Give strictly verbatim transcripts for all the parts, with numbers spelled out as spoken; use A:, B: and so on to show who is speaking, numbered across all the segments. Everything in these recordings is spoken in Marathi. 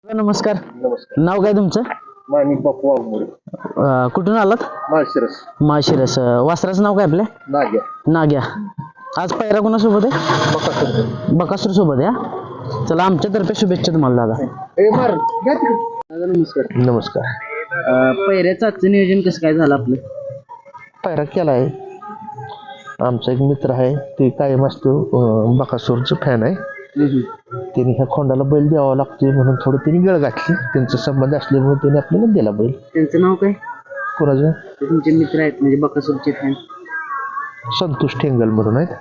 A: नमस्कार.
B: नमस्कार.
A: नाव काय तुमचं?
B: माणिक बापू वाघमोडे.
A: अं, कुठून आलात?
B: माळशिरस.
A: माळशिरस. अं, वासराचं नाव काय आपल्या?
B: नाग्या.
A: नाग्या. आज पहिरा कोणासोबत आहे?
B: बकासूर.
A: बकासूर सोबत आहे हा? चला आमच्यातर्फे शुभेच्छा तुम्हाला दादा.
B: ए मार घ्या तिकडे.
A: दादा नमस्कार.
B: नमस्कार.
A: अं, पहिऱ्याचं आजचं नियोजन कसं काय झालं आपलं?
B: पायरा केला आहे. आमचा एक मित्र आहे ते कायम असतो अं, बकासूरचं फॅन आहे.
A: हम्म.
B: त्यांनी ह्या खोंडाला बैल द्यावा लागतोय म्हणून थोडं त्यांनी गळ घातली. त्यांचा संबंध असल्यामुळे त्यांनी आपल्याला दिला बैल.
A: त्यांचं नाव काय?
B: कोणाचं?
A: ते तुमचे मित्र आहेत म्हणजे बकासूरचे फॅन.
B: संतोष ठेंगल म्हणून आहेत.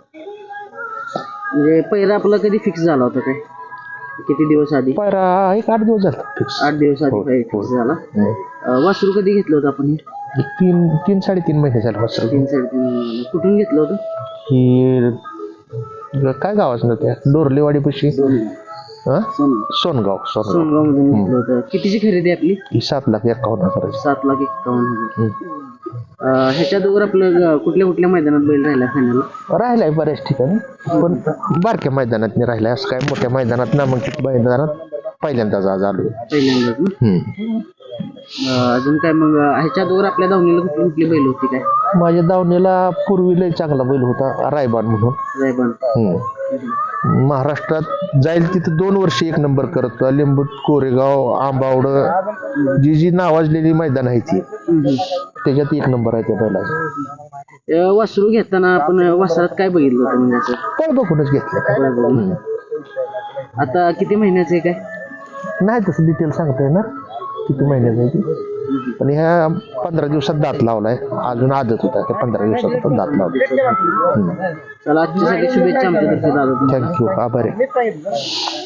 A: म्हणजे पहिरा आपला कधी फिक्स झाला होता काय? किती दिवस आधी?
B: पायरा एक आठ दिवस झाला फिक्स.
A: आठ दिवस आधी
B: हो,
A: फिक्स
B: हो.
A: झाला.
B: हो.
A: अं, वासरू कधी घेतलं होतं आपण? हे
B: तीन तीन साडेतीन महिने झाले वासरू.
A: तीन साडेतीन महिने. कुठून घेतलं होतं?
B: ही काय गावाच ना त्या डोरलेवाडी पशी हा
A: सोनगाव.
B: सोनगाव सोनगाव
A: सोनगाव मधून घेतलं होतं. कितीची खरेदी आपली?
B: ही सात लाख एकावन्न हजार
A: सात लाख एक्कावन्न हजार. अं, ह्याच्या दोघर आपलं ग- कुठल्या कुठल्या मैदानात बैल राहिला फायनल?
B: राहिलाय बऱ्याच ठिकाणी पण बारक्या मैदानात नाही राहिलाय. असं काय मोठ्या मैदानात नामांकित मैदानात पहिल्यांदाच आज आलो.
A: पहिल्यांदाच ना? अं, अजून काय मग अं, ह्याच्या दोघर आपल्या दावणीला कुठली कुठली बैल होती काय?
B: माझ्या दावणीला पूर्वी लय चांगला बैल होता रायबान म्हणून.
A: रायबान.
B: हम्म. महाराष्ट्रात जाईल तिथं दोन वर्ष एक नंबर करत होता. लिंबू कोरेगाव आंबावड जी जी नावाजलेली मैदान आहे ती
A: हम्म.
B: त्याच्यात एक नंबर आहे त्या बैलाचा.
A: अं, वासरू घेताना आपण वासरात काय बघितलं होतं म्हणजे असं?
B: पण बघूनच घेतलं.
A: बरं बघून. आता किती महिन्याचं आहे काय?
B: नाही तसं डिटेल सांगता येणार किती महिन्याचं आहे ती. पण ह्या पंधरा दिवसात दात लावलाय. अजून आदत होता त्या पंधरा दिवसात पण दात लावला.
A: चला आजच्यासाठी शुभेच्छा आमच्यातर्फे दादा.
B: थँक्यू आभार आहे.